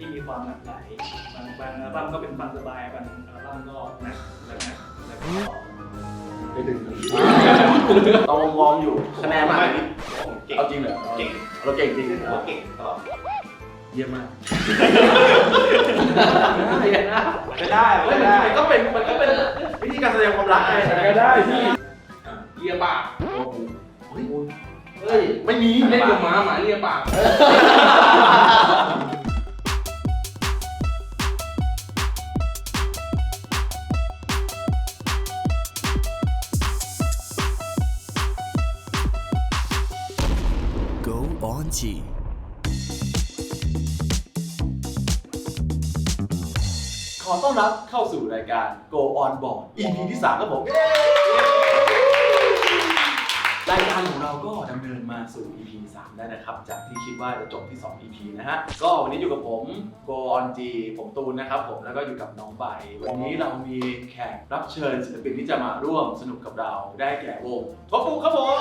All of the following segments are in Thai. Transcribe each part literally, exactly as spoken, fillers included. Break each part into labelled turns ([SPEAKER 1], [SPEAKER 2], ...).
[SPEAKER 1] ที่มีความหลากหลายบางบางอัลบั้มก็เป็นฟังสบายบางอัลบั้มก็นะแล้วนะแล้วก็
[SPEAKER 2] ไปดึงต้องมองอยู่คะแนนมาเอาจริงเหรอเก่งเราเก่งจริงเราเก่งตลอดเยี่ยมมากไม่ได้ไม่ได้ก็เป็นมันก็เป็นวิธีการแสดงความรักไงก็ได้ที่เลียปากเฮ้ยเฮ้ยไม่มีเล่นกับหมาหมาเลียปากขอต้อนรับเข้าสู่รายการ Go On Board อี พี ที่สามครับผมรายการของเราก็ดำเนินมาสู่ อี พี สามได้นะครับจากที่คิดว่าจะจบที่สอง อี พี นะฮะก็วันนี้อยู่กับผม Go On G ผมตูนนะครับผมแล้วก็อยู่กับน้องใบวันนี้เรามีแขกรับเชิญศิลปินที่จะมาร่วมสนุกกับเราได้แก่วงทบปุ๊ครับผม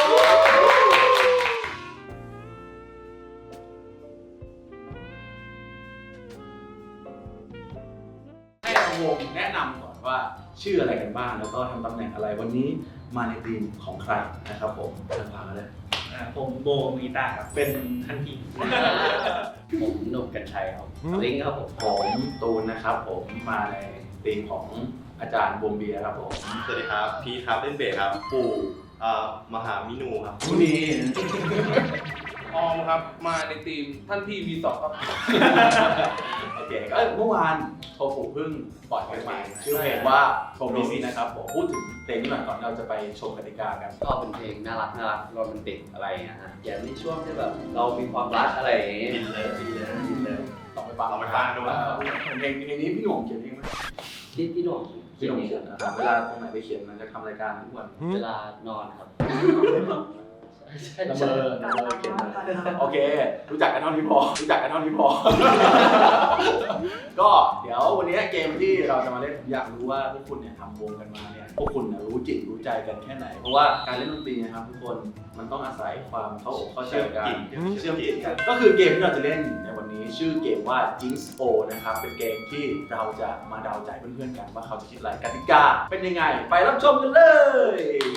[SPEAKER 2] วงแนะนำก่อนว่าชื่ออะไรกันบ้างแล้วก็ทำตำแหน่งอะไรวันนี้มาในทีมของใครนะครับผมเริ่มฟังกันเลย
[SPEAKER 1] ผมโบมีตาครับเป็นทันที
[SPEAKER 3] ผมหนุ่มกัญชัยครับลิงครับผม
[SPEAKER 2] ผมตูนนะครับผมมาในทีมของอาจารย์บวมเบียร์ครับผม
[SPEAKER 4] สวัสดีครับพีครับเล่นเบสครับปู่มหามินูครับ
[SPEAKER 2] ผู้นี้
[SPEAKER 5] ออมครับมาในทีมท่านพี่วีสองครับ
[SPEAKER 2] โอเคก็เมื่อวานโทฟูเพิ่งปล่อยเพลงใหม่ชื่อเพลงว่าโทมิซินะครับผมพูดถึงเพลงนี้หน่อยก่อนเราจะไปชมกติกากัน
[SPEAKER 3] ก็เป็นเพลงน่ารักน่ารักโรแมนติกอะไรนะฮะอย่างในช่วงที่แบบเรามีความรักอะไรอย่างงี้
[SPEAKER 4] บินเลยบินเลยบินเลย
[SPEAKER 2] ต้องไปฟังต้องไปฟังดูว่าเพลงเพลงนี้พี่หนุ่มเขียนเองไหม
[SPEAKER 3] ที่พี่หนุ่ม
[SPEAKER 2] พี่หนุ่มเขียนนะครับเวลาตรงไหนไปเขียนมันจะทำรายการทุกวัน
[SPEAKER 3] เวลานอนครับ
[SPEAKER 2] ละเมอละเมอเขียนโอเครู้จักกันเท่านี้พอรู้จักกันเท่านี้พอก็เดี๋ยววันนี้เกมที่เราจะมาเล่นผมอยากรู้ว่าพวกคุณเนี่ยทำวงกันมาเนี่ยพวกคุณรู้จิตรู้ใจกันแค่ไหนเพราะว่าการเล่นดนตรีนะครับทุกคนมันต้องอาศัยความเข้าอกเข้าใจกันเชื่อมจิตกันก็คือเกมที่เราจะเล่นในวันนี้ชื่อเกมว่า Jinx O นะครับเป็นเกมที่เราจะมาเดาใจเพื่อนๆกันว่าเขาจะคิดอะไรกติกาเป็นยังไงไปรับชมกันเลย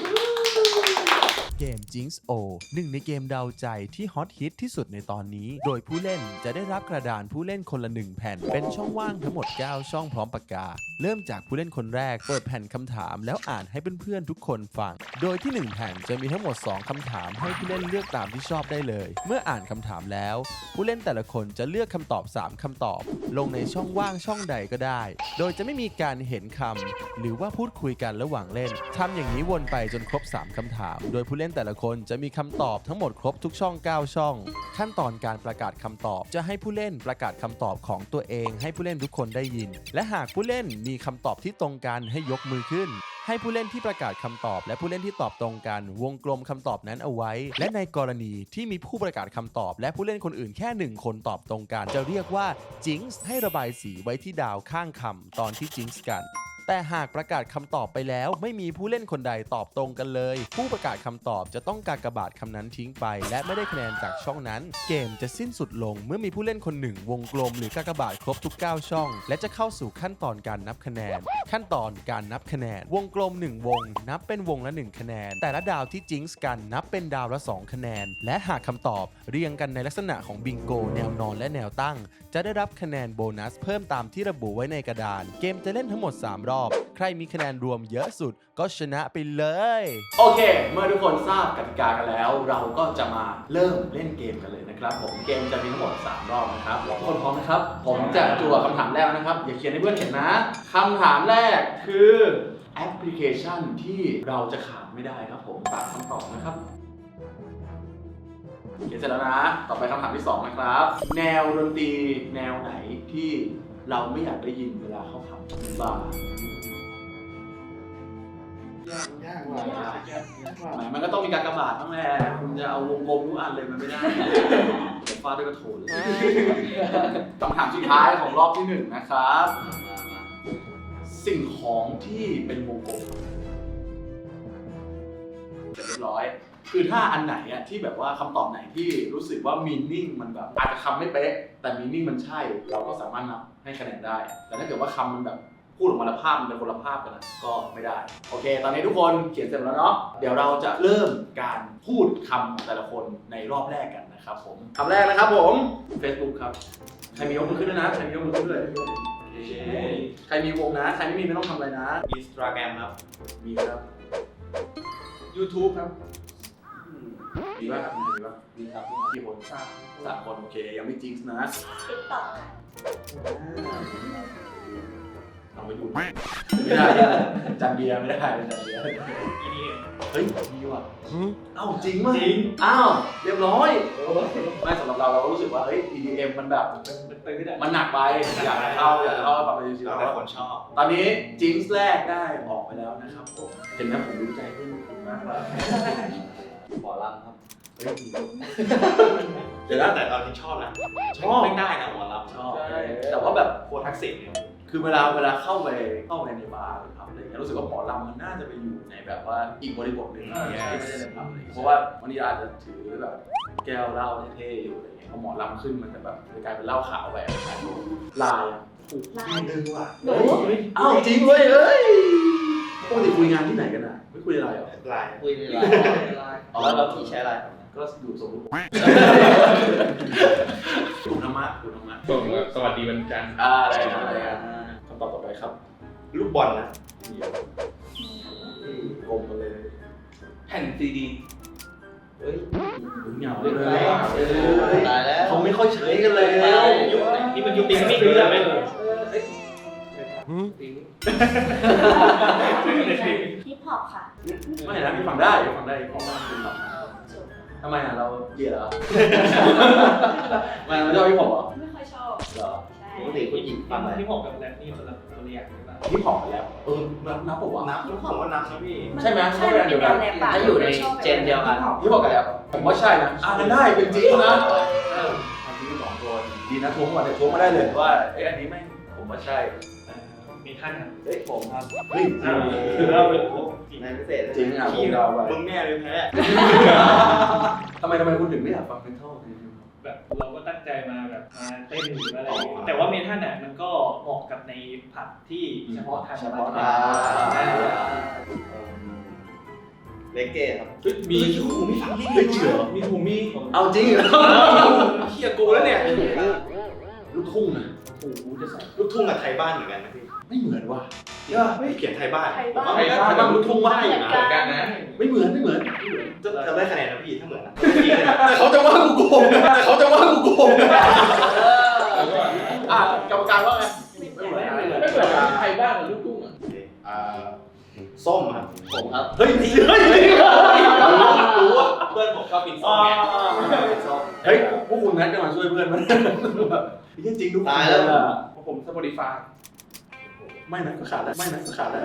[SPEAKER 6] เกม Jinx O หนึ่งในเกมเดาใจที่ฮอตฮิตที่สุดในตอนนี้โดยผู้เล่นจะได้รับกระดานผู้เล่นคนละหนึ่งแผ่นเป็นช่องว่างทั้งหมดเก้าช่องพร้อมปากกาเริ่มจากผู้เล่นคนแรกเปิดแผ่นคำถามแล้วอ่านให้เพื่อนๆทุกคนฟังโดยที่หนึ่งแผ่นจะมีทั้งหมดสองคำถามให้ผู้เล่นเลือกตามที่ชอบได้เลยเมื่ออ่านคำถามแล้วผู้เล่นแต่ละคนจะเลือกคำตอบสามคำตอบลงในช่องว่างช่องใดก็ได้โดยจะไม่มีการเห็นคำหรือว่าพูดคุยกันระหว่างเล่นทำอย่างนี้วนไปจนครบสามคำถามโดยผู้เล่นแต่ละคนจะมีคำตอบทั้งหมดครบทุกช่องเก้าช่องขั้นตอนการประกาศคำตอบจะให้ผู้เล่นประกาศคำตอบของตัวเองให้ผู้เล่นทุกคนได้ยินและหากผู้เล่นมีคำตอบที่ตรงกันให้ยกมือขึ้นให้ผู้เล่นที่ประกาศคำตอบและผู้เล่นที่ตอบตรงกันวงกลมคำตอบนั้นเอาไว้และในกรณีที่มีผู้ประกาศคำตอบและผู้เล่นคนอื่นแค่หนึ่งคนตอบตรงกันจะเรียกว่า Jinx ให้ระบายสีไว้ที่ดาวข้างคำตอนที่ Jinx กันแต่หากประกาศคำตอบไปแล้วไม่มีผู้เล่นคนใดตอบตรงกันเลยผู้ประกาศคำตอบจะต้องกากบาทคำนั้นทิ้งไปและไม่ได้คะแนนจากช่องนั้นเกมจะสิ้นสุดลงเมื่อมีผู้เล่นคนหนึ่งวงกลมหรือกากบาทครบทุกเก้าช่องและจะเข้าสู่ขั้นตอนการนับคะแนนขั้นตอนการนับคะแนนวงกลมหนึ่งวงนับเป็นวงละหนึ่งคะแนนแต่ละดาวที่จิงส์กันนับเป็นดาวละสองคะแนนและหากคำตอบเรียงกันในลักษณะของบิงโกแนวนอนและแนวตั้งจะได้รับคะแนนโบนัสเพิ่มตามที่ระบุไว้ในกระดานเกมจะเล่นทั้งหมดสามรอบใครมีคะแนนรวมเยอะสุดก็ชนะไปเลย
[SPEAKER 2] โอเคเมื่อทุกคนทราบกติกากันแล้วเราก็จะมาเริ่มเล่นเกมกันเลยนะครับผมเกมจะมีทั้งหมดสามรอบนะครับทุกคนพร้อมนะครับผมจะจั่วคำถามแรกนะครับอย่าเขียนให้เพื่อนเห็นนะคำถามแรกคือแอปพลิเคชันที่เราจะขาดไม่ได้ครับผมตามคำตอบนะครับเขียนเสร็จแล้วนะต่อไปคำถามที่สองนะครับแนวดนตรีแนวไหนที่เราไม่อยากได้ยินเวลาเขาทำบาร์ยากยากว่ะมันก็ต้องมีการกระบาดบ้างแหละคุณจะเอาวงกลมทุกอันเลยมันไม่ได้เดี๋ยวฟาดด้วยกระโถนเลยคำถามสุดท้ายของรอบที่หนึ่งนะครับสิ่งของที่เป็นวงกลมเสร็จเรียบร้อยคือถ้าอันไหนอะที่แบบว่าคำตอบไหนที่รู้สึกว่ามีนิ่งมันแบบอาจจะคำไม่เป๊ะแต่มีนิ่งมันใช่เราก็สามารถนับให้คะแนนได้ แต่ถ้าเกิดว่าคำมันแบบพูดออกมาแล้วภาพมันเป็นคนละภาพกันนะก็ไม่ได้โอเค ตอนนี้ทุกคนเขียนเสร็จแล้วเนาะเดี๋ยวเราจะเริ่มการพูดคำของแต่ละคนในรอบแรกกันนะครับผมคำแรกนะครับผม Facebook ครับใครมียกมือขึ้นด้วยนะใครมียกมือขึ้นด้วยใครมีวงนะใครไม่มีไม่ต้องทำอะไรนะ
[SPEAKER 4] อินสตาแกรมครับ
[SPEAKER 2] มีครับ
[SPEAKER 5] YouTube ครับ
[SPEAKER 2] มีป่ะมีป่ะ
[SPEAKER 3] มีครับ
[SPEAKER 2] กี่คนสามสามคนโอเคยังไม่จริงนะ
[SPEAKER 7] ติ๊กต็อกค่ะ
[SPEAKER 2] เอาไปดูไม่ได้จันเบียร์ไม่ได้จันเบียร์
[SPEAKER 1] อีนี่
[SPEAKER 2] เฮ้ยดีว่ะเอ้าจริงมั้ยจริงอ้าวเรียบร้อยไม่สำหรับเราเราก็รู้สึกว่าเฮ้ย อี ดี เอ็ม มันแบบ
[SPEAKER 1] มันตื้อได้
[SPEAKER 2] มันหนักไปอยากเข้าอยากเข้าฟังไปชิว
[SPEAKER 4] แล้วแต่คนชอบ
[SPEAKER 2] ๆตอนนี้จิงส์แรกได้ออกไปแล้วนะครับผมเห็นไหมผมรู้ใจเพื่อนคุณมากเลย
[SPEAKER 3] หมอลำครับ
[SPEAKER 2] เฮ้ย
[SPEAKER 4] เดี๋ยวนะแต่เราจริงชอบนะ
[SPEAKER 2] ชอบ
[SPEAKER 4] ไม่ได้นะหมอลำ
[SPEAKER 2] ชอบแต่ว่าแบบ
[SPEAKER 4] โคตรทักษิณเนี่ย
[SPEAKER 2] คือเวลาเวลาเข้าไปเข้าไปในบาร์หรือผับอะไรเงี้ยรู้สึกว่าหมอลำมันน่าจะไปอยู่ในแบบว่าอีกบริบทหนึ่งที่ไม่ได้ในผับอะไรเงี้ยเพราะว่าวันนี้อาจจะถือแบบแก้วเหล้าเท่ๆอยู่อะไรเงี้ยพอหมอลำขึ้นมันจะแบบกลายเป็นเหล้าขาวไปลายอ่ะ
[SPEAKER 7] ลาย
[SPEAKER 2] ดึงว่ะ
[SPEAKER 7] หนู
[SPEAKER 2] อ้าวจริงเว้ยเอ้ยปกติคุยงานที่ไหนกันอ่ะไม่คุยอะไรหรอ
[SPEAKER 4] ลาย
[SPEAKER 3] คุยในไลน์แล้วเราพี่ใช้ไลน์ครับ
[SPEAKER 2] ก็อยู่สมมติกลุ่มธรรมะกลุ่มธรรมะ
[SPEAKER 5] ส่งสวัสดีวันจันทร์
[SPEAKER 2] อ่าอะไรนะอะไรนะคำตอบต่อไปครับ
[SPEAKER 4] ลูกบอลนะ
[SPEAKER 2] เดี๋ยวกลมกันเลย
[SPEAKER 5] แผ่นซีดี
[SPEAKER 3] เฮ้ย
[SPEAKER 2] เหงาเลย
[SPEAKER 3] ตายแล้ว
[SPEAKER 2] เขาไม่ค่อยใช้กันเลย
[SPEAKER 1] ยุคนี่มันยุคติ๊กไม่เรื่องไหม
[SPEAKER 7] ฮิปฮอปค่ะ
[SPEAKER 2] ไม่นะพี่ฟังได้ฟังได้เพราะว่าเป็นแบบทำไมอ่ะเราเกลียดเหรอทำไมเราชอบพี่ผมเหรอ
[SPEAKER 7] ไม่ค่อยชอบ
[SPEAKER 2] เหรอ
[SPEAKER 7] ใช่
[SPEAKER 3] ปกติผู้หญิงฟังอะไร
[SPEAKER 1] ที่ผมกับแรปนี่คนละคนละอย่างใช่ปะ
[SPEAKER 2] พี่ผมไปแล้วเออนับนับปะวะ
[SPEAKER 4] นับผมว่านับนะพี่
[SPEAKER 2] ใช่ไหม
[SPEAKER 7] ใช่มันเป็นแนวแรปอะ
[SPEAKER 3] ถ้าอยู่ในเจนเดียวกัน
[SPEAKER 2] พี่บอกกันแล้วผมว่าใช่นะอ่านได้เป็นจริงนะเออจริงสองคนดีนะทวงมาเลยทวงมาได้เลยว่าไอ้อันนี้ไม่ผมว่าใช่
[SPEAKER 1] มีท่านครับ
[SPEAKER 2] เฮ้ยผมครับเฮ้ย
[SPEAKER 1] คือเราเป็น
[SPEAKER 3] ในพิเศษ
[SPEAKER 2] จริงอ่ะผมเดาไป
[SPEAKER 4] มึงแน่เลยแพ้
[SPEAKER 2] ทำไมทำไมคุณถึงไม่อยากฟังเพลงเท่าเพลง
[SPEAKER 1] แบบเราก็ตั้งใจมาแบบมาเต้นหรืออะไรอย่างเงี้ยแต่ว่าเมทัลน่ะมันก็เหมาะกับในผับที่เฉพาะทาง
[SPEAKER 2] เฉพาะ
[SPEAKER 1] ทา
[SPEAKER 2] ทาง
[SPEAKER 3] เลเก้ครับ
[SPEAKER 5] มี
[SPEAKER 2] ไม่ฟังเฮ้ยจริงเหรอ
[SPEAKER 5] มีถูมี
[SPEAKER 2] เอาจริงเหรอ
[SPEAKER 4] เฮียกูแล้วเนี่ย
[SPEAKER 2] ลูกทุ่งนะโอ้โหจะใส่
[SPEAKER 4] ลูกทุ่งกับไทยบ้านเหมือนกันนะพี่
[SPEAKER 2] ไม่เหมือนว่ะ
[SPEAKER 4] ไม่เขียนไทยบ้าน
[SPEAKER 7] ไทยบ้าน
[SPEAKER 4] ไทยบ้านไทยบ้านลูกทุ่งบ้าน
[SPEAKER 7] เหมือนกัน
[SPEAKER 5] กันนะ
[SPEAKER 2] ไม่เหมือนไม่เหมือน
[SPEAKER 4] จะจะได้คะแนนนะพี่ถ้าเหมือนนะ
[SPEAKER 2] แต่เขาจะว่ากูโกงแต่เขาจะว่ากูโกงอ่ะกรรมการว่าไงไม่เหมือน
[SPEAKER 5] ไม่เหมือนไทยบ้านกับลูกทุ่งอ่ะ
[SPEAKER 4] อ่าส้มครับ
[SPEAKER 3] ผมครับ
[SPEAKER 2] เฮ้ยเฮ้ย
[SPEAKER 4] รู้ว่าเพื่อนผมชอบกินส้มไง
[SPEAKER 2] เฮ้ยพวกคุณนัดกันมาช่วยเพื่อนมันจริงจริงทุกคน
[SPEAKER 3] ตายแล้ว
[SPEAKER 5] ผมสปอติฟาย
[SPEAKER 2] ไม่นะก็ขาดแล้วไม่นะก็ขาดแล้ว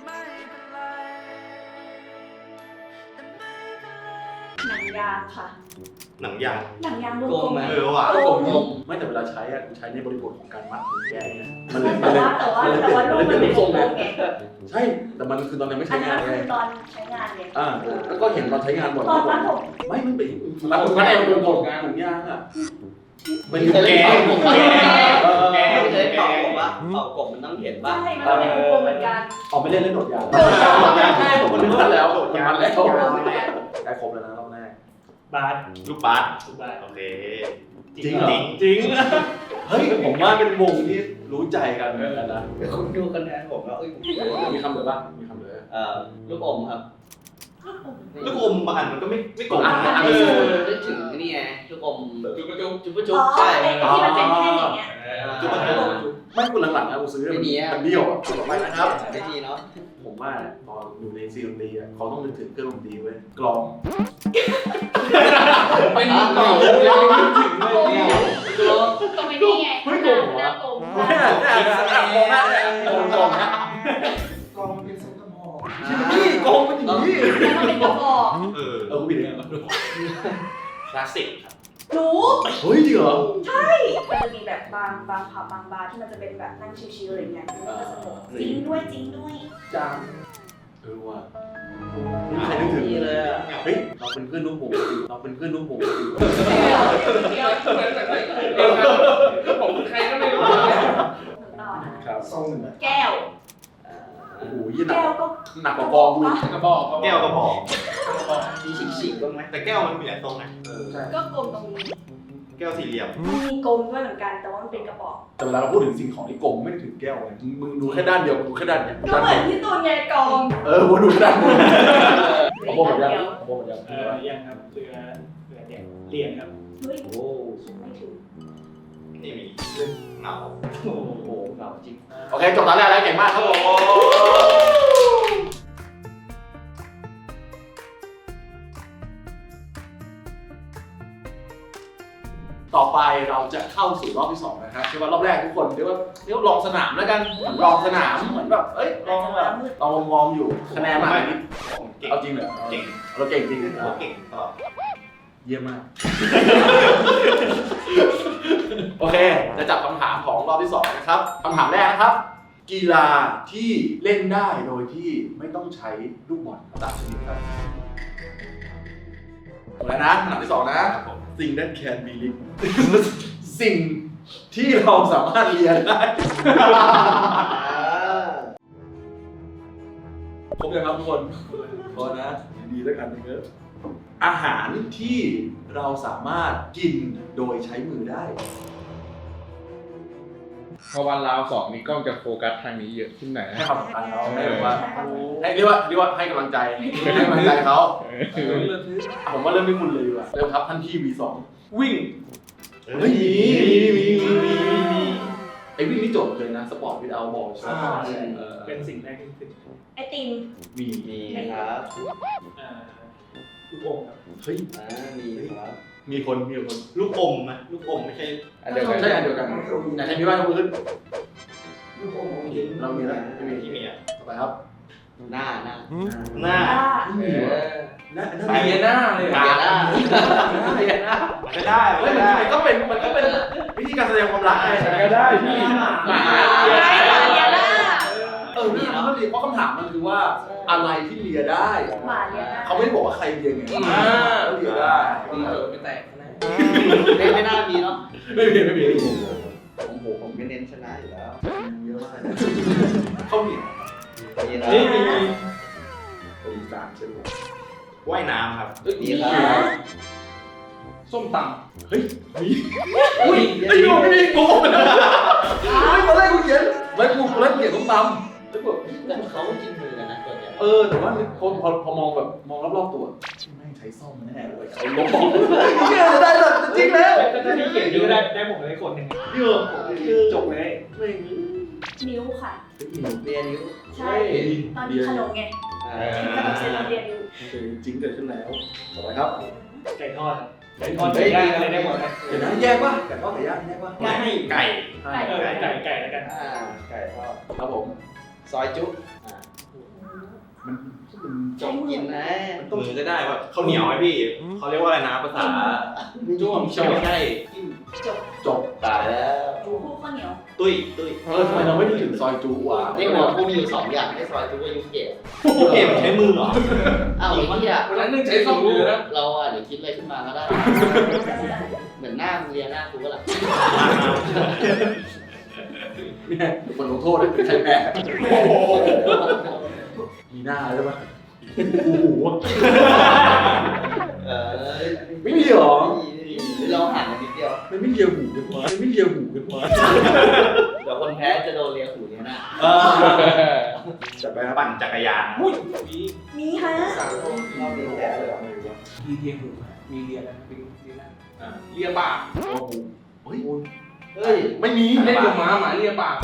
[SPEAKER 7] หนังยางค่ะ
[SPEAKER 4] หนังยาง
[SPEAKER 7] หนังยางวง
[SPEAKER 3] โก
[SPEAKER 7] กล
[SPEAKER 3] ง
[SPEAKER 7] ม
[SPEAKER 3] ไหม
[SPEAKER 4] เออว่ะ
[SPEAKER 7] โกง
[SPEAKER 2] ไม่แต่เวลาใช้อ่ะกูใช้ในบริบทของการมัดหรือแก้เนี่ยมัน
[SPEAKER 7] แต่ว่าแต่ว่าแต่ว่ารูปมันเป็นวงกลมไง
[SPEAKER 2] ใช่แต่มันคือตอนยังไม่
[SPEAKER 7] อั
[SPEAKER 2] ใช้
[SPEAKER 7] นนั้
[SPEAKER 2] งาน
[SPEAKER 7] น
[SPEAKER 2] ไง
[SPEAKER 7] คือตอนใช้งานไง
[SPEAKER 2] อ่าแล้วก็เห็นตอนใช้งานบ่อย
[SPEAKER 7] ตอนนั้นผม
[SPEAKER 2] ไม่มันเป็นมันมันเองเป็นกฎถุงยางอ่ะมัน
[SPEAKER 3] เคย
[SPEAKER 2] แก
[SPEAKER 3] เล่น
[SPEAKER 2] ง
[SPEAKER 3] เป่า
[SPEAKER 2] แกง
[SPEAKER 3] กบไม่เคยเป่ากบปะเป่ากบมันต้องเห็นปะ
[SPEAKER 7] ใช่มันเป็นวงกลมเหมือนกัน
[SPEAKER 2] ออกไปเล่นเล่นโดดยาง
[SPEAKER 7] โดดยาง
[SPEAKER 2] โดดยางใช่ผมนึกว่าแล้วโดดยางแล้ว
[SPEAKER 7] โดดยางเหมือนกัน
[SPEAKER 2] ได้ครบแล้วนะรอบแรก
[SPEAKER 1] บาส
[SPEAKER 4] ลูกบาส
[SPEAKER 1] สุบาส
[SPEAKER 4] โอเค
[SPEAKER 2] จริงเหรอ
[SPEAKER 4] จริง
[SPEAKER 1] จริง
[SPEAKER 2] เฮ้ยผมว่าเป็นวงที่รู้ใจกันเหมือนกันนะ
[SPEAKER 3] คุณดูคะแนนผมแล้วเอ้ย
[SPEAKER 2] มีคำเหลือป่ะมีคำเหลือ
[SPEAKER 3] เอ่อลูกอมครับ
[SPEAKER 4] ลูกอมบางอันมันก็ไม่ไม่โกง
[SPEAKER 2] อ่ะ
[SPEAKER 4] นะ
[SPEAKER 3] เอ
[SPEAKER 4] เอ
[SPEAKER 3] อ
[SPEAKER 4] อ
[SPEAKER 3] นึกถึงนี่ไงลูกอม
[SPEAKER 5] จุ๊บจุ๊บ
[SPEAKER 3] จุ๊บจุ๊
[SPEAKER 7] อ๋
[SPEAKER 3] บ
[SPEAKER 7] อ
[SPEAKER 3] ใช่
[SPEAKER 7] ไอ้ที่มันเป็นแท่งอย่างเงี้ย
[SPEAKER 4] จุ๊บจุ๊บจุ๊บ
[SPEAKER 2] ไม่คุณหลังๆนะกูซื้อมันมันเบี้ยวอ่ะต่อไปนะครับ
[SPEAKER 3] ไม่ดีเนาะ
[SPEAKER 2] ผมว่าตอนอยู่ในซีดนตรีอ่ะเขาต้องนึกถึงเครื่องดนตรีเว้ยกลอง
[SPEAKER 5] เป็นกล่องเลยนึกถึงเลยนี่
[SPEAKER 7] ก็ไม่นี่ไงหน้าหน้ากลม
[SPEAKER 2] ไม่ได้มองหน้าเนี่ยมองกลองนะ
[SPEAKER 4] กองมันเป็นเซนต์มอล
[SPEAKER 2] นี่กลองเป็นอย่างนี้
[SPEAKER 7] แล้วก็เป็นกระบอก
[SPEAKER 4] เออ
[SPEAKER 2] เออกูผิดเอง
[SPEAKER 4] คลาสสิกครับ
[SPEAKER 7] หนู
[SPEAKER 2] เฮ้ยจริงเหรอ
[SPEAKER 7] มันจะมีแบบบางบางผับบางบาร์ที่มันจะเป็นแบบนั่งชิลๆอะไรเงี้ยมันก็จะสนุกจริงด้วยจริงด้วย
[SPEAKER 2] จางเออว่ะไม่มีใครนึกถึง
[SPEAKER 3] นี่เลยอ่ะ
[SPEAKER 2] เฮ้ยเราเป็นเพื่อนลูกผมเราเป็นเพื่อนลูกผม
[SPEAKER 5] เหมือนเหมือนเหมือนเดียวกันผมคือใครก็ไม่รู้
[SPEAKER 7] หนูต่อนะครับ แก้ว
[SPEAKER 2] โอ้โหยี่หนัก
[SPEAKER 7] แก้วก็
[SPEAKER 2] หนักกว่ากองกูอีก
[SPEAKER 5] กระบอก
[SPEAKER 4] แก้วกระบอก
[SPEAKER 3] มีฉีกๆบ้างไหม
[SPEAKER 4] แต่แก้วมันมีหลายทรงนะ
[SPEAKER 2] เออใช่
[SPEAKER 7] ก็กลมตรงนี้
[SPEAKER 4] แก้วสี่เหลี่ยม
[SPEAKER 7] มีกลมด้วยเหมือนกันแต่ว่ามันเป็นกระบอก
[SPEAKER 2] แต่เวลาเราพูดถึงสิ่งของที่กลมไม่ถึงแก้วไงมึงดูแค่ด้านเดียวมึงดูแค่ด้านเดียว
[SPEAKER 7] ก็เหมือนที่ตูนไงกอง
[SPEAKER 2] เออผมดูแค่ด้านเดียวผมบอกหมดยังผมบอกหมดยัง
[SPEAKER 1] เออยังครับเหลือเหลือเนี่ยเหรียญครับ
[SPEAKER 7] เฮ้ย
[SPEAKER 3] โอ้
[SPEAKER 7] ไม่ถึง
[SPEAKER 4] นี่มีเรื่องเหงา
[SPEAKER 3] โหเก่าจริง
[SPEAKER 2] โอเคจบตอนแรกแล้วเก่งมากครับผมต่อไปเราจะเข้าสู่รอบที่สองนะครับคือว่ารอบแรกทุกคนเรียกว่าเรียกว่าลองสนามแล้วกันเหมือนลองสนามเหมือนแบบเอ้ยลองแบบลองวอร์มๆอยู่คะแนนมาอันนี้
[SPEAKER 4] ผมเก่ง
[SPEAKER 2] เอาจริงเหรอ
[SPEAKER 4] เก่ง
[SPEAKER 2] เราเก่งจริง
[SPEAKER 4] ผมเก่งตลอด
[SPEAKER 2] เยี่ยมมาก โอเค จะจับคำถามของรอบที่สองนะครับคำถามแรกนะครับ กีฬาที่เล่นได้โดยที่ไม่ต้องใช้ลูกบอลตามชนิดครับหมดแล้วนะคำถามที่สองนะ สิ่ง that can be linked สิ่งที่เราสามารถเรียนได้ ครบยังครับทุกคนพอนะดีๆแล้วกันเยอะอาหารที่เราสามารถกินโดยใช้มือได้
[SPEAKER 5] พอวันราวสองนี้กล้องจะโฟกัสทางนี้เยอะขึ้นหน่อย
[SPEAKER 2] ให้
[SPEAKER 5] นะ
[SPEAKER 2] ความสำคัญเขาให้แบบว่าให้เรียกว่าเรียกว่าให้กำลังใจให้กำลังใจเขาผมว่าเริ่มที่คุณเลยดีกว่าเริ่มครับท่านพี่ วี สอง
[SPEAKER 5] วิ่ง
[SPEAKER 2] เฮ้ยมีมีมีมีมีมีไอ้วิ่งนี่โจทย์เลยนะสปอร์ตวิดเอาบอลใช่ไหมเออ
[SPEAKER 1] เป็นสิ่งแรกที่ขึ้น
[SPEAKER 7] ไอติม
[SPEAKER 2] มี
[SPEAKER 3] มีครับ
[SPEAKER 1] อ่าลูกโป่งครับ
[SPEAKER 2] เฮ้ย
[SPEAKER 3] อ่ามีครับ
[SPEAKER 2] มีคนมีคน
[SPEAKER 4] ลูกอมนะลูกอมไม่ใช่
[SPEAKER 5] อันเดียวกัน
[SPEAKER 2] ใช่อันเดียวกันอยากให้มีบ้านยกมือขึ้นเรามีแล้วไม่มี
[SPEAKER 4] ที่มีอ่ะ
[SPEAKER 2] ต่อไปครับ
[SPEAKER 3] หน้าหน้า
[SPEAKER 4] หน้า
[SPEAKER 7] อ่า
[SPEAKER 2] ไม่
[SPEAKER 3] เอ
[SPEAKER 2] มีวะ
[SPEAKER 3] อ
[SPEAKER 2] น่า
[SPEAKER 5] ไปเรียนหน้าเลย
[SPEAKER 3] เบียร์หน้า
[SPEAKER 2] เรียนนะ
[SPEAKER 4] ไม่ได้
[SPEAKER 2] เฮ้ย
[SPEAKER 4] ไม่
[SPEAKER 2] มัน
[SPEAKER 4] ได้
[SPEAKER 2] มันก็เป็นมันก็เป็นวิธีการแสดงความรักไง
[SPEAKER 5] ก็ได้พี่
[SPEAKER 7] หมาหมาเลียหน้า
[SPEAKER 2] เออนี่มันก็ดีเพราะคำถามมันคือว่าอะไรที่เลียได้
[SPEAKER 7] หมาเลียหน้า
[SPEAKER 2] เขาไม่ได้บอกว่าใครเลียไง
[SPEAKER 5] อ่า
[SPEAKER 2] เขาเลียได้
[SPEAKER 5] เออไม่แตกนะ
[SPEAKER 3] ไม่ไม่น่ามีเนาะ
[SPEAKER 2] ไม่มีไม่มีไม่มี
[SPEAKER 3] ผมผมผมก็เน้นชนะอยู่แล้ว
[SPEAKER 2] เยอะมากเขาเหนียว
[SPEAKER 3] มีแล้ว
[SPEAKER 1] นี่มี
[SPEAKER 2] อีสานใช่ไหม
[SPEAKER 4] ว่ายน้ำครับ
[SPEAKER 3] มีครับ
[SPEAKER 5] ส้มต
[SPEAKER 2] เฮ้ยมี
[SPEAKER 3] อุ้ย
[SPEAKER 2] ไอ้ยูไม่มีโกงเลยเฮ้ยตอนแรกกูเขียนแล้วกูตอนแรกเขียนต้มตำแล้วกู
[SPEAKER 3] แต่เขากินมือกันนะตัวเนี้ย
[SPEAKER 2] เออแต่ว่าพอพอพอมองแบบมองรอบๆตัวแม่งใช้ซ่อมแน่เลยเขาล้มเชื่อได้แบบจริงแล้ว
[SPEAKER 1] แต่ถ้าพี่เขียนชื่อได้ได้ผมเลยคนหนึ่ง
[SPEAKER 2] เยอะ
[SPEAKER 1] จบเลย
[SPEAKER 2] ไม่มี
[SPEAKER 7] นิ้วค่ะ
[SPEAKER 3] เรียนนิ้ว
[SPEAKER 7] ใช่ ตอนนี้ขนมไง
[SPEAKER 3] อ่า
[SPEAKER 7] ขนมเซนเราเรียนนิ้ว
[SPEAKER 2] จริงเกิดขึ้นแล้วต่อไปครับ
[SPEAKER 1] ไก่ทอดครับไก่ทอดไก่ย่างอะไรได้หมดนะ
[SPEAKER 2] เดี๋ยวนะแยกป่ะไก่ทอดไก่ย่างแยกป่ะ
[SPEAKER 4] ไม่ให้ไก่
[SPEAKER 2] ใช่
[SPEAKER 1] เออไก่ไก่แล้วกัน
[SPEAKER 3] อ่าไก่ทอด
[SPEAKER 2] ครับผม
[SPEAKER 3] ซอยจุ๊อ่า
[SPEAKER 2] มันมัน
[SPEAKER 3] จบกินนะ
[SPEAKER 4] มือก็ได้ว่าข้าวเหนียวไหมพี่เขาเรียกว่าอะไรนะภาษาจ้วงใช่ไม่ใช่
[SPEAKER 7] จบ
[SPEAKER 2] จบ
[SPEAKER 3] ตายแล้ว
[SPEAKER 7] คู่ข้าวเหนียว
[SPEAKER 4] ตุ้ยตุ้ย
[SPEAKER 2] เออทำไมเราไม่นึกถึงซอยจูวะ
[SPEAKER 3] นี่หัวกูมีอยู่สองอย่างไอ้ซอยจุ๊กับยุเกะ
[SPEAKER 4] เกมใช้มือเหรอ
[SPEAKER 3] อ้าวไอ้ที่อ่ะ
[SPEAKER 5] ำวันนั้นนึงใช้ส้มมือนะ
[SPEAKER 3] เราอ่ะเดี๋ยวคิดอะไรขึ้นมาก็ได้ เหมือนหน้ามึงเรียนหน้ากูก็แหละ
[SPEAKER 2] เนี่ยคนลงโทษเลยใครแพ้มีหน้าใช่ปะโอ้โห
[SPEAKER 3] เออ
[SPEAKER 2] ไม่มีหรอ
[SPEAKER 3] เราห่างกันนิดเดียว
[SPEAKER 2] มันไม่เลียหูกันวะมันไม่เลียหูกันวะ
[SPEAKER 3] เดี๋ยวคนแพ้จะโดนเลียหูเนี่ยนะ
[SPEAKER 2] เออจัดไปครับ
[SPEAKER 4] ปั่นจักรยาน
[SPEAKER 5] อุ้ยมี
[SPEAKER 7] มีฮะ
[SPEAKER 3] เราเลียแพ้เลยเหรอ
[SPEAKER 5] มีเรียนหูมีเรียนอะไรเป็นเรียนอ่าเรียปาก
[SPEAKER 2] โอ้โหเฮ้ย
[SPEAKER 3] เฮ้ย
[SPEAKER 2] ไม่มี
[SPEAKER 5] เล่นกับหมาหมาเรียปาก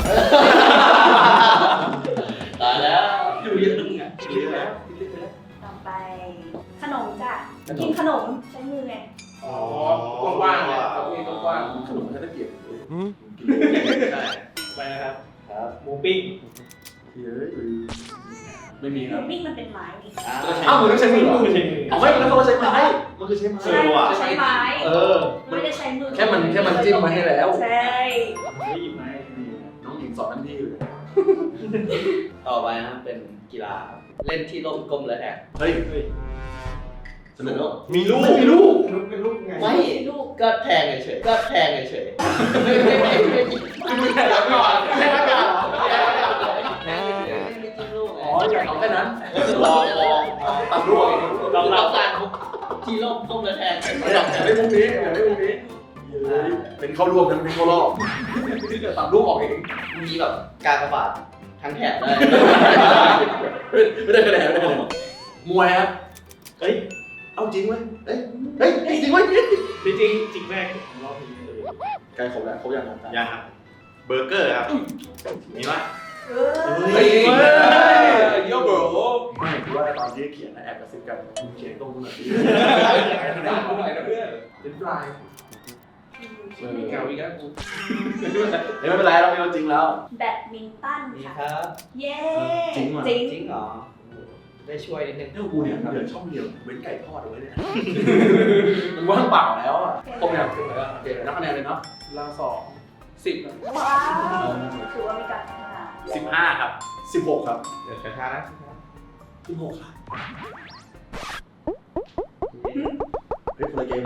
[SPEAKER 3] ตายแล้ว
[SPEAKER 5] อยู่เรียนนึงอ่ะเรียนแล้วเรียนไปแล้ว
[SPEAKER 7] ต่อไป ขนมจ้ะ กินขนมใช้มือไง
[SPEAKER 5] อ๋อกว้างๆเลยเขามีกว้าง
[SPEAKER 2] ขนมแค่ตะเกียบ
[SPEAKER 4] ใช่
[SPEAKER 1] ไปนะครับ
[SPEAKER 3] ครับ
[SPEAKER 1] หมูปิ้ง
[SPEAKER 2] เฮ้ยไม่มีครับ
[SPEAKER 7] มิ่งมันเป็นไม้นี่
[SPEAKER 2] อ้าวมึงต้องใช้มือเหรอ
[SPEAKER 1] ไม่ใช่มือ
[SPEAKER 2] เอาไม่มันต้องใช้ไม้มันคือใช้ไม้
[SPEAKER 7] ใช่ใช้ไม้
[SPEAKER 2] เออ
[SPEAKER 7] ไม่ได้ใช้มือ
[SPEAKER 2] แค่มันแค่มันจิ้มมาให้แล้ว
[SPEAKER 7] ใช่
[SPEAKER 1] ไม่หยิบไม้
[SPEAKER 2] น้องหญิงสอนนั่นพี่อยู่
[SPEAKER 4] ต
[SPEAKER 3] ต่อไปนะเป็นกีฬาครับเล่นที่ร่มกลมและแท็ก
[SPEAKER 2] เฮ้ยเฮ้ยสนุกเนอะ
[SPEAKER 4] มีลูก
[SPEAKER 2] ไม่มีลูก
[SPEAKER 8] เป็นลูกไง
[SPEAKER 3] ไม่ลูกก็แทงเฉยๆก็แทงเฉยๆไม่ไม่ไม่ไม่ไม่
[SPEAKER 2] ไม่ใช่แล้วก่อนไม่ใช่แล้วก่อน
[SPEAKER 3] ไม่จิ้มลูกไง
[SPEAKER 2] อ๋ออยากเอาแค่นั้นรอรอตัดลูกเอง
[SPEAKER 3] เราเราการที่ร่มกลมและแทง
[SPEAKER 2] อยากอยากได้มุมนี้อยากได้มุมนี้เป็นเข้ารวมทั้งเป็นเข้ารอบตัดลูกออกเอง
[SPEAKER 3] มีแบบการกระบาดทั้งแถบได้
[SPEAKER 2] ไม่ได้คะแนนไม่ได้คะแนนมวยครับ
[SPEAKER 4] เฮ้ย
[SPEAKER 2] เอาจริงไหมเฮ้ยเฮ้ยจริงไหม
[SPEAKER 1] จริงจริงจริงแรกของรอบนี้เลย
[SPEAKER 2] ไกลครบแล้วครบยังครับ
[SPEAKER 4] ยังครับเบอร์เกอร์ครับมีปะ
[SPEAKER 7] เอ
[SPEAKER 5] เฮ้ย
[SPEAKER 7] อ
[SPEAKER 5] โยโบร
[SPEAKER 2] ไม่คือว่าตอนที่เขียนนะแอบกระซิบกันเขียนตรงนู้นน่ะ
[SPEAKER 5] ด่ากูหน่อยนะเพื่อนเป็นปลายเงาอีกแล้วกู
[SPEAKER 2] เฮ้ยไม่เป็นไรเราไม่เอาจริงแล้ว
[SPEAKER 7] แบดมินตัน
[SPEAKER 3] นี่
[SPEAKER 7] ค่ะ
[SPEAKER 3] ครับ
[SPEAKER 7] เย้
[SPEAKER 2] จริงว่ะ
[SPEAKER 7] จริง
[SPEAKER 3] จริงเหรอได้ช่วยนิดนึง
[SPEAKER 2] เอ้ากูเนี่ยเหลือช่องเดียวเว้นไก่ทอดเอาไว้เลยนะมันว่างเปล่าแล้วอ่ะครบยังครบแล้วโอเคนับคะแนนเลยเนาะ
[SPEAKER 5] เราสองสิบ
[SPEAKER 7] ว้าวถือว่ามีการพัฒนา
[SPEAKER 4] สิบห้าครับ
[SPEAKER 2] สิบหกครับ
[SPEAKER 4] เดี๋ยวช้าๆนะ
[SPEAKER 2] สิบหกครับเฮ้ยคนละเกม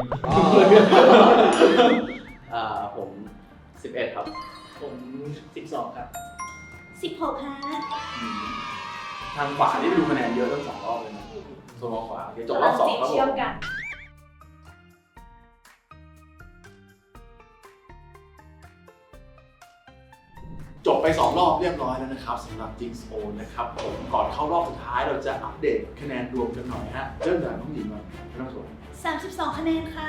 [SPEAKER 3] อ่าผมสิบเอ็ดครับ
[SPEAKER 1] ผมสิบสองครับ
[SPEAKER 7] สิบหกฮะ
[SPEAKER 2] ทางขวานี่ไปดูคะแนนเยอะตั้งสองรอบเลยนะโซนขวาโอเคจบรอบสองครับผ
[SPEAKER 7] เชื่อม
[SPEAKER 2] ม
[SPEAKER 7] กัน
[SPEAKER 2] จบไปสองรอบเรียบร้อยแล้วนะครับสำหรับ Jinx O นะครับผมก่อนเข้ารอบสุดท้ายเราจะอัปเดตคะแนนรวมกันหน่อยฮะเริ่มจากน้องหญิงก่อนไม่ต้องสน
[SPEAKER 7] สามสิบสองคะแนนค่ะ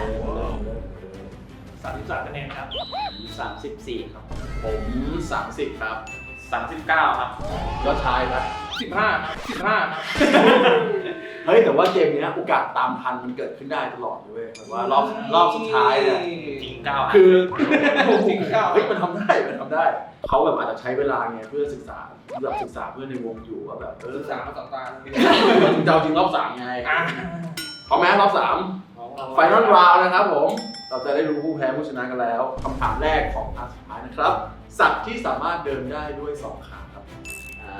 [SPEAKER 1] สามสิบสามคะแนนครับ
[SPEAKER 3] สามสิบสี่ครับ
[SPEAKER 2] ผมสามสิบครับ
[SPEAKER 4] สามสิบเก้าครับ
[SPEAKER 2] ยอดชายครับ
[SPEAKER 5] สิบห้าสิบห้า
[SPEAKER 2] เฮ้ยแต่ว่าเกมเนี้ยโอกาสตามทันมันเกิดขึ้นได้ตลอดเลยเว้ยแบบว่ารอบรอบสุดท้ายเนี่ย
[SPEAKER 4] จริงเก้าครับ
[SPEAKER 2] คือ
[SPEAKER 5] จริงเก้า
[SPEAKER 2] เฮ้ยมันทำได้มันทำได้เขาแบบอาจจะใช้เวลาไงเพื่อศึกษาแบบศึกษาเพื่อนในวงอยู่ว่าแบบเออ
[SPEAKER 5] ศึกษามาสองตา
[SPEAKER 2] เจ้าจริงรอบสามไง
[SPEAKER 5] อ่ะ
[SPEAKER 2] พร้อมไหมรอบสามไฟนอลราวนะครับผมเราจะได้รู้ผู้แพ้ผู้ชนะกันแล้วคำถามแรกของภาคสุดท้ายนะครับ สัตว์ที่สามารถเดินได้ด้วยสองขาครับ
[SPEAKER 3] อ่า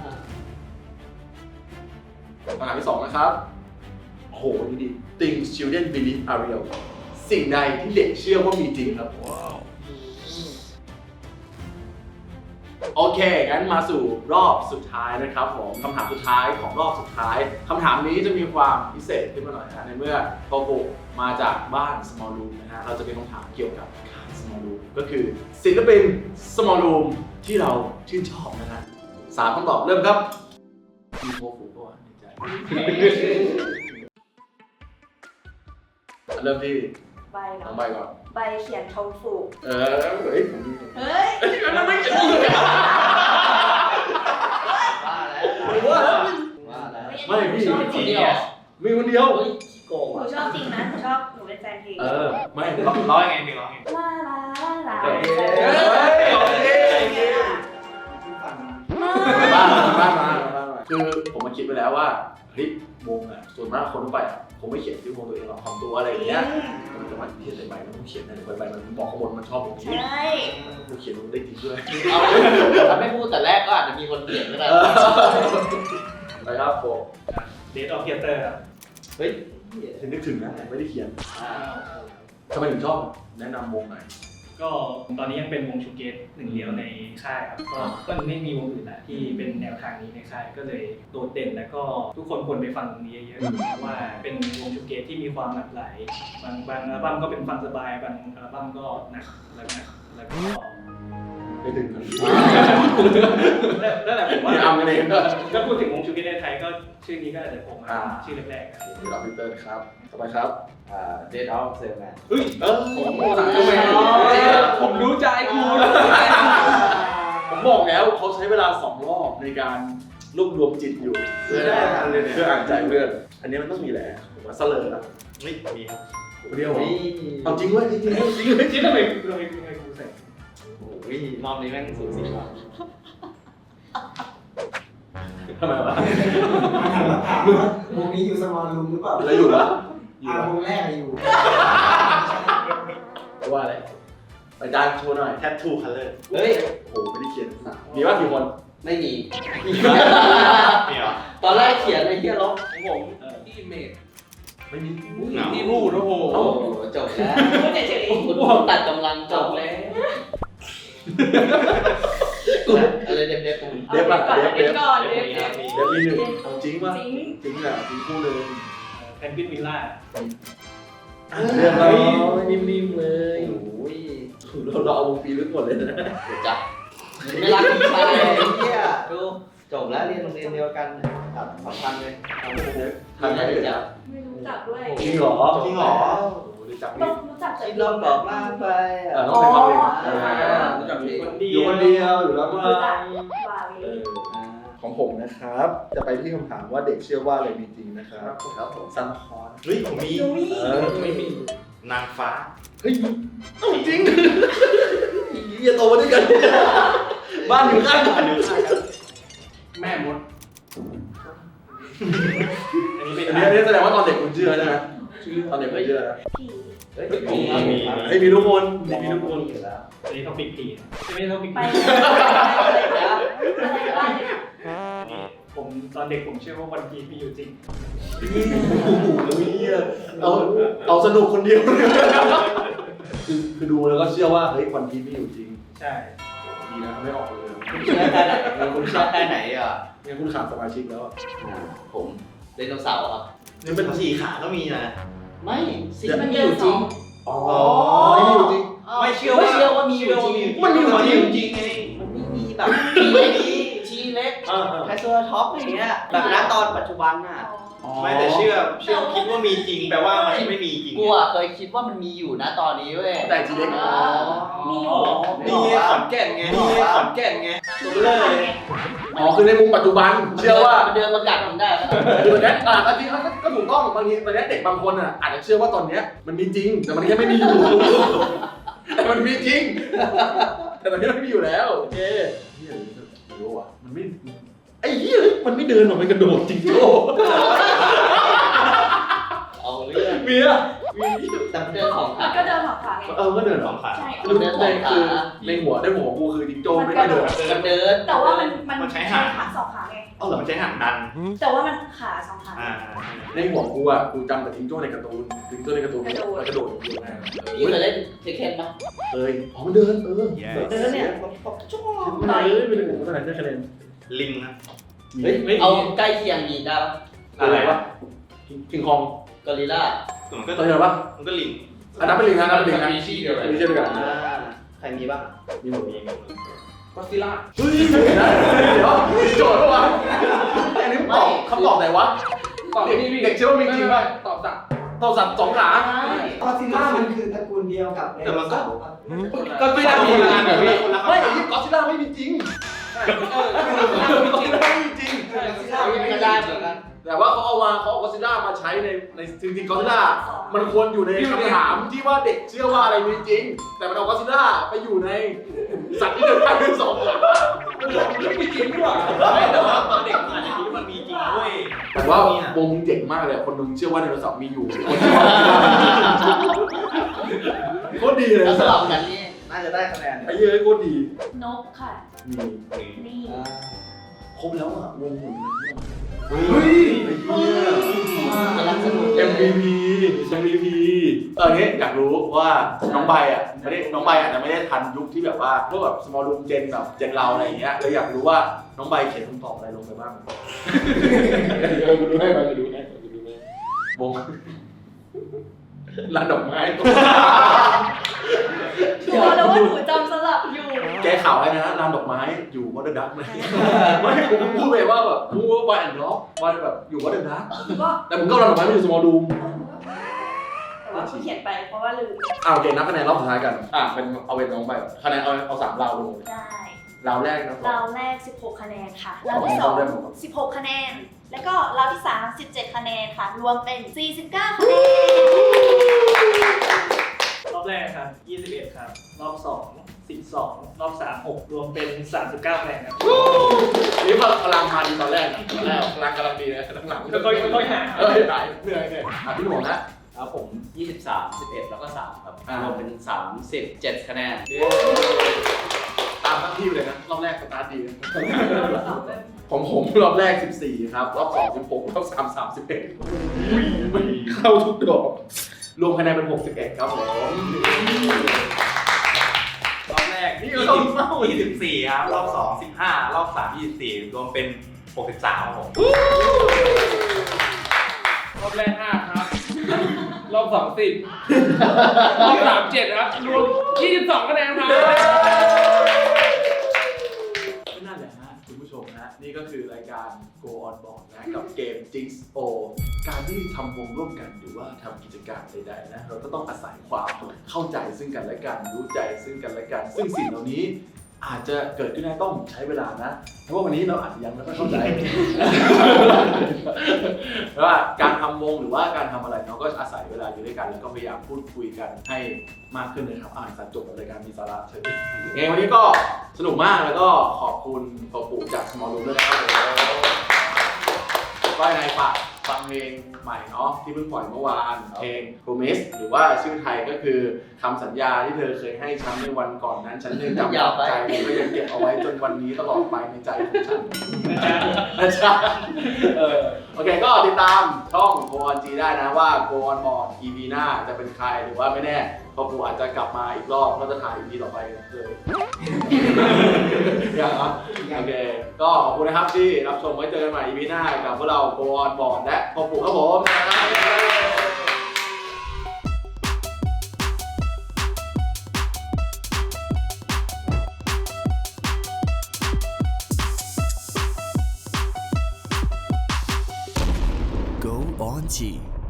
[SPEAKER 2] คำถามที่สองนะครับโอ้โหนี่ดี Things children believe are real สิ่งใดที่เด็กเชื่อว่ามีจริงครับโอเค งั้นมาสู่รอบสุดท้ายนะครับผมคำถามสุดท้ายของรอบสุดท้ายคำถามนี้จะมีความพิเศษขึ้นมาหน่อยนะในเมื่อโตโกมาจากบ้าน Small Room นะฮะเราจะเป็นคำถามเกี่ยวกับค่าย Small Room ก็คือศิลปิน Small Room ที่เราชื่นชอบนะฮะสามคำตอบเริ่มครับมีโคฟูก็ในใจเริ่มที่
[SPEAKER 7] ใบเหร
[SPEAKER 2] น้
[SPEAKER 7] อ
[SPEAKER 2] องใบก่อน
[SPEAKER 7] ใบเขียนทงฝูก
[SPEAKER 2] เออเฮ้ยผมมี
[SPEAKER 7] เฮ้ย
[SPEAKER 2] อันนั้นไม่เกี่ยว
[SPEAKER 3] ว่าแล้วว่าแล้ว
[SPEAKER 2] ไม่พี่
[SPEAKER 7] ชอบจริงเหรอ
[SPEAKER 2] มีคนเดียว
[SPEAKER 3] เฮ้ยขี้โกง
[SPEAKER 7] หนู
[SPEAKER 3] อ่ะ
[SPEAKER 7] ชอบจริงนะหนูชอบหนูเป็นแฟนเพลง
[SPEAKER 2] เออ ไม่
[SPEAKER 4] ร้องร้องยังไงเพลงร้องยังไง
[SPEAKER 7] ลาลาลา
[SPEAKER 2] เฮ้ย
[SPEAKER 7] ลา
[SPEAKER 2] บ้านบ้านมาบ้านมาคือผมมาคิดไปแล้วว่าเฮ้ยวงอ่ะส่วนมากคนทั่วไปอ่ะคงไม่เขียนชื่อวงตัวเองหรอกของตัวอะไรอย่างเงี้ยมันจะมาเขียนในใบมันต้องเขียนในใบมันบอกข้างบนมันชอบผมนี้
[SPEAKER 7] ใช่
[SPEAKER 2] กูเขียนมันได้จริงด้วย
[SPEAKER 3] เอาถ้าไม่พูดแต่แรกก็อาจจะมีคนเปลี่ยนก็ได้
[SPEAKER 2] ไปครับโฟ
[SPEAKER 1] เดทออฟเทเตอร์ครับ
[SPEAKER 3] เฮ้ย
[SPEAKER 2] ฉันนึกถึงนะแต่ไม่ได้เขียน
[SPEAKER 3] อ่า
[SPEAKER 2] ทำไมถึงชอบแนะนำวงหน่อย
[SPEAKER 1] ก็ตอนนี้ยังเป็นวงชูเกตหนึ่งเดียวในค่ายครับก็ก็ไม่มีวงอื่นละที่เป็นแนวทางนี้ในค่ายก็เลยโดดเด่นแล้วก็ทุกคนควรไปฟังตรงนี้เยอะๆเพราะว่าเป็นวงชูเกตที่มีความหลากหลายบางบางอัลบั้มก็เป็นฟังสบายบางอัลบั้มก็หนักแล้วหนักแล้วก็
[SPEAKER 2] ไม่ถึงกัน
[SPEAKER 1] นั่นแหละผมว่า
[SPEAKER 2] ที่เอากันเองก็
[SPEAKER 1] ถ้าพูดถึงวงชูเกตในไทยก็ชื่อนี้ก็อาจจะผมมาชื่อแรกๆครับ
[SPEAKER 2] เราพิเตอร์ครับต่อไปครับ
[SPEAKER 3] อ่าเดทออฟเซลแมน
[SPEAKER 2] เฮ้ยเออผมบอกแล้ว
[SPEAKER 5] ผมรู้ใจกู
[SPEAKER 2] ผมบอกแล้วเขาใช้เวลาสองรอบในการรวบรวมจิตอยู่เพื่อเพื่ออ่านใจเพื่อนอันนี้มันต้องมีแหละผมว่าเสลอละ
[SPEAKER 4] ไม่มีครับ
[SPEAKER 2] เดียว
[SPEAKER 3] นี่
[SPEAKER 2] เอาจริงเว้ยจริงจริงจริง
[SPEAKER 1] จริงทำไมทำไมทำไมกูใส่
[SPEAKER 3] โอ้ยรอบนี้แม่งสูสีมาก
[SPEAKER 2] ทำไมวะ
[SPEAKER 8] วงนี้อยู่สมอลรูมหรือเปล่า
[SPEAKER 2] แล้วอยู่ละอยู่
[SPEAKER 8] อ่า
[SPEAKER 2] ละ
[SPEAKER 8] วงแรกอะอยู่
[SPEAKER 2] ว่าอะไรไปจานโชว์หน่อย
[SPEAKER 4] แทททูคัลเลอร์
[SPEAKER 3] เฮ้ย
[SPEAKER 2] โอ้โหไม่ได้เขียนมีว่ากี่คน
[SPEAKER 3] ไม่มี
[SPEAKER 4] มีเหรอ
[SPEAKER 3] ตอนแรกเขียนไอ้เหี้ยลบ
[SPEAKER 5] ของผมที่เมด
[SPEAKER 2] ไม่มี
[SPEAKER 4] เหงา
[SPEAKER 5] ที่พูดโอ้โห
[SPEAKER 3] โอ้โหจบแล้ว
[SPEAKER 7] พูดเฉย
[SPEAKER 3] คุณตัดกำลังจบแล้วอะไรเด็บเด็บๆ
[SPEAKER 7] ๆ
[SPEAKER 2] เด็บอะ
[SPEAKER 7] ก่อน
[SPEAKER 2] เด็บ
[SPEAKER 7] เด็
[SPEAKER 2] เด็
[SPEAKER 7] บบ ก่อนเด็บ
[SPEAKER 4] มี
[SPEAKER 7] เด็บ
[SPEAKER 4] มี
[SPEAKER 2] เด็บมีหนึ่งเอาจริงป่ะ
[SPEAKER 7] จริง
[SPEAKER 2] จริงแหละจริงคู่เลย
[SPEAKER 1] แพนกวินวิลล่า
[SPEAKER 2] เรียบร้อย
[SPEAKER 3] นิ่มๆเลยโอ้ย
[SPEAKER 2] เราเราเอาวงปีลึกหมดเลยนะ
[SPEAKER 3] เดี๋ยวจับไม่รักพี่ชายไอ้เหี้ยดูจบแล้วเรียนโรงเรียนเดียวกันตัดสำคัญเลยเอาไปเลย
[SPEAKER 2] ทำไง
[SPEAKER 3] เดี๋ยว
[SPEAKER 2] เดี๋
[SPEAKER 3] จั
[SPEAKER 2] ยว
[SPEAKER 3] บ
[SPEAKER 7] ไม่รู้จักด้วย
[SPEAKER 2] จริงเหรอ
[SPEAKER 4] จริงเหรอ
[SPEAKER 2] โอ้โหได้จับ
[SPEAKER 7] ต้
[SPEAKER 2] นี่
[SPEAKER 7] องรู้จักแต่
[SPEAKER 3] ที่เราบอกล่างไป
[SPEAKER 2] เออ
[SPEAKER 3] อ่ะ
[SPEAKER 2] ต้องไปฟังเพลง
[SPEAKER 7] อ๋อ
[SPEAKER 5] รู้จักพี่
[SPEAKER 1] คนเดี
[SPEAKER 2] อยู่คนเดียวอยู่แล้วว่า
[SPEAKER 7] รู้จักวาวี
[SPEAKER 2] ของผมนะครับ จะไปที่คำถามว่าเด็กเชื่อว่าอะไรมีจริงนะครับ
[SPEAKER 3] ครับผม
[SPEAKER 2] ซันคอน
[SPEAKER 4] เฮ้ยผมมี
[SPEAKER 7] นุ้ย
[SPEAKER 2] เออ
[SPEAKER 5] ไม่มี
[SPEAKER 4] นางฟ้า
[SPEAKER 2] เฮ้ยเอ้าจริงเฮียโตมาด้วยกัน บ้านอยู่ข้างกันอยู่ข้างกัน
[SPEAKER 5] แม่มด
[SPEAKER 1] อันนี้เป็น
[SPEAKER 2] อันนี้อันนี้แสดงว่าตอนเด็กคุณเชื่อใช่ไหมตอนเด็กคุณเชื่อนะ
[SPEAKER 7] ผี
[SPEAKER 3] เฮ้ย
[SPEAKER 4] มีมี
[SPEAKER 2] เฮ้ยมีทุกคนมีทุกคน
[SPEAKER 3] อยู่แล้ว
[SPEAKER 1] อันนี้ท็อปิกผีไม่ใช่ท็อปิก
[SPEAKER 7] ไป
[SPEAKER 1] ผี
[SPEAKER 7] อะไรนะอะไรก็ได้เลยค่ะ
[SPEAKER 1] ผมตอนเด็กผมเชื่อว่าวันพีชมีอยู่จริง
[SPEAKER 2] โอ้โหเฮียเอาเอาสนุกคนเดียวคือคือดูแล้วก็เชื่อว่าเฮ้ยวันพีชไม่อยู่จริง
[SPEAKER 1] ใช่
[SPEAKER 2] ดีนะไม่ออกเลย
[SPEAKER 3] คุณเชื่อแค่ไหนคุณเชื่อแค่ไหนอ่ะ
[SPEAKER 2] งั้นคุณขาดสมาชิกแล้วอะ
[SPEAKER 3] ผมไดโนเสาร์ครับ
[SPEAKER 4] นี่เป็นสี่ขาก็มีนะ
[SPEAKER 3] ไม่สิ
[SPEAKER 7] มัน
[SPEAKER 3] มี
[SPEAKER 7] เดิ
[SPEAKER 3] อน ยู่
[SPEAKER 7] ส
[SPEAKER 3] จริ
[SPEAKER 7] อง ง
[SPEAKER 2] อ๋อไม่มีอยู่จริง
[SPEAKER 4] ไม่เชื่อ
[SPEAKER 3] ไม่
[SPEAKER 4] ว่า
[SPEAKER 3] เชื่อว่ามีอยู่จริง
[SPEAKER 2] มันมีอยู่จริง
[SPEAKER 4] จริงไง
[SPEAKER 3] มันไม่มีแบบทีเล็กทีเล็ก
[SPEAKER 2] อ่าอ่า
[SPEAKER 3] ไทโซท็อปอย่างเงี้ยแบบณตอนปัจจุบันน่ะ
[SPEAKER 4] ไม่แต่เชื่อเชื่อคิดว่ามีจริงแปลว่ามันไม่มีจริง
[SPEAKER 3] กูอ่ะเคยคิดว่ามันมีอยู่นะตอนนี้เว้ย
[SPEAKER 2] แต่ทีเล็ก
[SPEAKER 3] อ๋อ
[SPEAKER 7] มี
[SPEAKER 4] นี่ไงขอนแก่นไงนี่ไงขอนแก่นไงตัวเลย
[SPEAKER 2] อ๋อคือในมุมปัจจุบันเชื่อว่า
[SPEAKER 3] มันเดินมากัดผมได้แล้ว
[SPEAKER 2] คือตอนนี้อ่ะจริงๆก็ถูกต้องบางทีตอนนี้เด็กบางคนอ่ะอาจจะเชื่อว่าตอนเนี้ยมันมีจริงแต่มันแค่ไม่มีอยู่ แต่มันมีจริง แต่ตอนนี้มันไม่มีอยู่แล้วโอเคเฮียไม่รู้อ่ะมันไม่ไอ้เหี้ยมันไม่เดินหรอกมันกระโดดจริงโจ้
[SPEAKER 3] เอาเรื่อง
[SPEAKER 2] มีอ่ะมี
[SPEAKER 3] แต่มันเดินของ
[SPEAKER 7] มั
[SPEAKER 3] ขาน
[SPEAKER 7] ก็เดินหอบขาไง
[SPEAKER 2] เออก็เดินหร
[SPEAKER 4] ส
[SPEAKER 2] อ
[SPEAKER 4] องขา
[SPEAKER 7] ใช่
[SPEAKER 2] คือในคือในหัวในหัวกูคือจิงโจ้ไม่ได้เดิน
[SPEAKER 3] มันเดิน
[SPEAKER 7] แต่ว่ามันมัน
[SPEAKER 4] มันใช้หาง
[SPEAKER 7] ขาสองขาไง
[SPEAKER 2] เอาเหรอ
[SPEAKER 4] มันใช้หางดัน
[SPEAKER 7] แต่ว่ามันขาสองขา
[SPEAKER 4] อ่า
[SPEAKER 2] ในหัวกูอ่ะกูจำแต่จิงโจ้ในการ์ตูนจิงโจ้ในการ์ตูนมันกระโดดอย่างเดียวไง
[SPEAKER 3] พี่เคยเล่นเทคเคนปะ
[SPEAKER 2] เอ้ยอ๋อมันเดินเออ
[SPEAKER 3] เดินเนี่ยชั่วโมง
[SPEAKER 2] ไม่ได้ไม่ได้ผมเท่าไหร่ได้คะแนน
[SPEAKER 4] ลิงนะ
[SPEAKER 3] เฮ้ยเอาใกล้เคียงมีได้ปะ
[SPEAKER 2] อะไรวะคิงคอง
[SPEAKER 3] กอริลล่า
[SPEAKER 4] มันก็
[SPEAKER 2] ตัวเดียวปะ
[SPEAKER 4] มันก็ลิง
[SPEAKER 2] อันนั้นเป็นลิงนะอันนั้นเป็นลิงนะ
[SPEAKER 5] มีชื่อเดียวกัน
[SPEAKER 2] ไม่ใช่ด้วยกัน
[SPEAKER 3] ใครมีบ้าง
[SPEAKER 2] มีหมด
[SPEAKER 4] มี
[SPEAKER 5] ก็ซิล่า
[SPEAKER 2] เฮ้ยเดี๋ยวโจทย์ปะวะอันนี้ตอบคำตอบไหนวะ
[SPEAKER 5] ตอบนี่พี่
[SPEAKER 2] เด็กเชื่อว่ามีจริงป่ะ
[SPEAKER 5] ตอบสัก
[SPEAKER 2] ตอบสัตว์สองขา
[SPEAKER 8] คอซิล่ามันคือตระกูลเดียวกับไดโนเสาร์ปะ
[SPEAKER 2] ก็ไม่ได้มีงานแบบนี้
[SPEAKER 4] คนละ
[SPEAKER 2] ไม่ไอ้ที่กอซิล่าไม่มีจริง
[SPEAKER 5] เออ
[SPEAKER 2] กอซิล่าไม่มีจริง
[SPEAKER 3] ก็ได้เหมือนกัน
[SPEAKER 2] แต่ว่าเขาเอามาเขาเอากอซิล่ามาใช้ในในจริงๆกอซิล่ามันควรอยู่ในคำถามที่ว่าเด็กเชื่อว่าอะไรมีจริง แต่มันเอากอซิล่าไปอยู่ในสัตว์ที่เดินได้ด้วยสองขา
[SPEAKER 5] ไม่จริงดีกว่า
[SPEAKER 4] ไม่แต่ว่าตอนเด็กมันอาจจะคิดว่ามันมีจริงเว้ย
[SPEAKER 2] แต่ว่าวงเจ๋งมากเลยคนนึงเชื่อว่าไดโนเสาร์มีอยู่คนนึงว่าโคตรดีเลย
[SPEAKER 3] แล้วสลับกันนี่น่าจะได้คะแนน
[SPEAKER 2] ไอ้เหี้ยโคตรดี
[SPEAKER 7] นกค่ะ
[SPEAKER 2] มี
[SPEAKER 7] นี่
[SPEAKER 2] ครบแล้วอ่ะวงหมุน
[SPEAKER 4] เฮ้
[SPEAKER 2] เฮ้ย
[SPEAKER 4] ย
[SPEAKER 2] ไอ้เหี้ย
[SPEAKER 3] กำลังสนุก
[SPEAKER 2] เอ็ม วี พี เอ็ม วี พี เออเนี้ยอยากรู้ว่าน้องใบอ่ะไม่ได้น้องใบอาจจะไม่ได้ทันยุคที่แบบว่าพวกแบบ small room gen แบบเจนเราอะไรอย่างเงี้ยเลยอยากรู้ว่าน้องใบเขียนคำตอบอะไรลงไปบ้างเออกูดูให้มากูดูให้กูดูให้วงร้านดอกไม้
[SPEAKER 7] ชัวร์แล้วว่าหนูจำสลับอยู่
[SPEAKER 2] แกข่าวให้นะร้านดอกไม้อยู่วัดเดอร์ดักไหมไม่ผมพูดไปว่าแบบพูดว่าวันแอนด์ล็อกวันแบบอยู่วัดเดอร์ดัก
[SPEAKER 7] ก็
[SPEAKER 2] แต่ผมก็ร้านดอกไม้ไม่อยู่ small room
[SPEAKER 7] แต่ว่าเขียนไปเพราะว่าลืม
[SPEAKER 2] อ่าโอเคนับคะแนนรอบสุดท้ายกันอ่ะเป็นเอาเป็นน้องใบก่อนคะแนนเอาเอาสามราวลงเลย
[SPEAKER 7] ได้
[SPEAKER 2] ราวแรกนะ
[SPEAKER 7] ราวแรก สิบหก คะแนนค่ะราวที่สองสิบหก คะแนน แล้วก็ราวที่สาม สิบเจ็ด คะแนนค่ะ รวมเป็น สี่สิบเก้า คะแนน
[SPEAKER 1] รอบแรกครับยี่สิบเอ็ดครับรอบสองสิบสองรอบสามหกรวมเป็นสามสิบเก้าคะแนนครับ
[SPEAKER 2] นี่พลังมาดีตอนแรกนะตอนแรกพลังกำลังดีนะหลังๆ
[SPEAKER 1] ค่อยๆค่อยๆหา
[SPEAKER 2] เออหายเหนื่อยเหนื่อยอ่ะพี่หนุ่มนะครับ
[SPEAKER 3] ผมยี่สิบสาม สิบเอ็ดแล้วก็สามครับ
[SPEAKER 2] อ่า
[SPEAKER 3] รวมเป็นสามสิบเจ็ดคะแนน
[SPEAKER 2] ตามทั้งทีที่เลยนะรอบแรกสตาร์ทดีนะของผมรอบแรกสิบสี่ครับรอบสองสิบหกรอบสามสามสิบเอ็ดเข้าทุกดอกรวมคะแนนเป็นหกสิบเอ็ดครับผม
[SPEAKER 4] รอบแรก
[SPEAKER 2] นี่
[SPEAKER 4] ยี่
[SPEAKER 2] เรา
[SPEAKER 4] สิบ
[SPEAKER 2] เมา
[SPEAKER 4] ยี่สิบสี่ครับรอบสองสิบห้ารอบสามยี่สิบสี่รวมเป็นหกสิบสามครับผม
[SPEAKER 5] รอบแรกห้าครับ รอบสองสิบรอบสามเจ็ดครับ รวมยี่สิบสองคะแนนครับ
[SPEAKER 2] ก็นั่นแหละฮะคุณผู้ชมฮะนี่ก็คือรายการ Go On Board นะกับเกม Jinx O การที่ทำวงร่วมกันหรือว่าทำกิจการใดๆนะเราก็ต้องอาศัยความเข้าใจซึ่งกันและกันรู้ใจซึ่งกันและกัน ซึ่งสิ่งเหล่านี้อาจจะเกิดขึ้นได้ต้องใช้เวลานะเพราะว่าวันนี้เราอาจจะยังไม่ค่อยเข้าใจ เพราะว่าการทำวงหรือว่าการทำอะไรเราก็อาศัยเวลาอยู่ด้วยกันแล้วก็พยายามพูดคุยกันให้มากขึ้นนะครับอ่านสัจจบรายการมีสาระเชิญยังไงวันนี้ก็สนุกมากแล้วก็ขอบคุณพ่อปู่จาก Small Room ด้วยนะครับก็ยังไงฝากฟังเพลงใหม่เนาะที่เพิ่งปล่อยเมื่อวานเพลง Promise หรือว่าชื่อไทยก็คือคำสัญญาที่เธอเคยให้ฉันในวันก่อนนั้นฉันยังจำยาวใจและยังเก็บเอาไว้จนวันนี้ตลอดไปในใจของฉันนะจ๊ะเออโอเคก็ติดตามช่อง Go On G ได้นะว่า Go On Board อี พี หน้าจะเป็นใครหรือว่าไม่แน่พอปูอาจจะกลับมาอีกรอบก็จะถ่าย อี พี ต่อไปเลยอย่างอ่ะโอเคก็ขอบคุณนะครับที่รับชมไว้เจอกันใหม่ อี พี หน้ากับพวกเรา Go On Board และพอปูครับผม
[SPEAKER 6] Go On G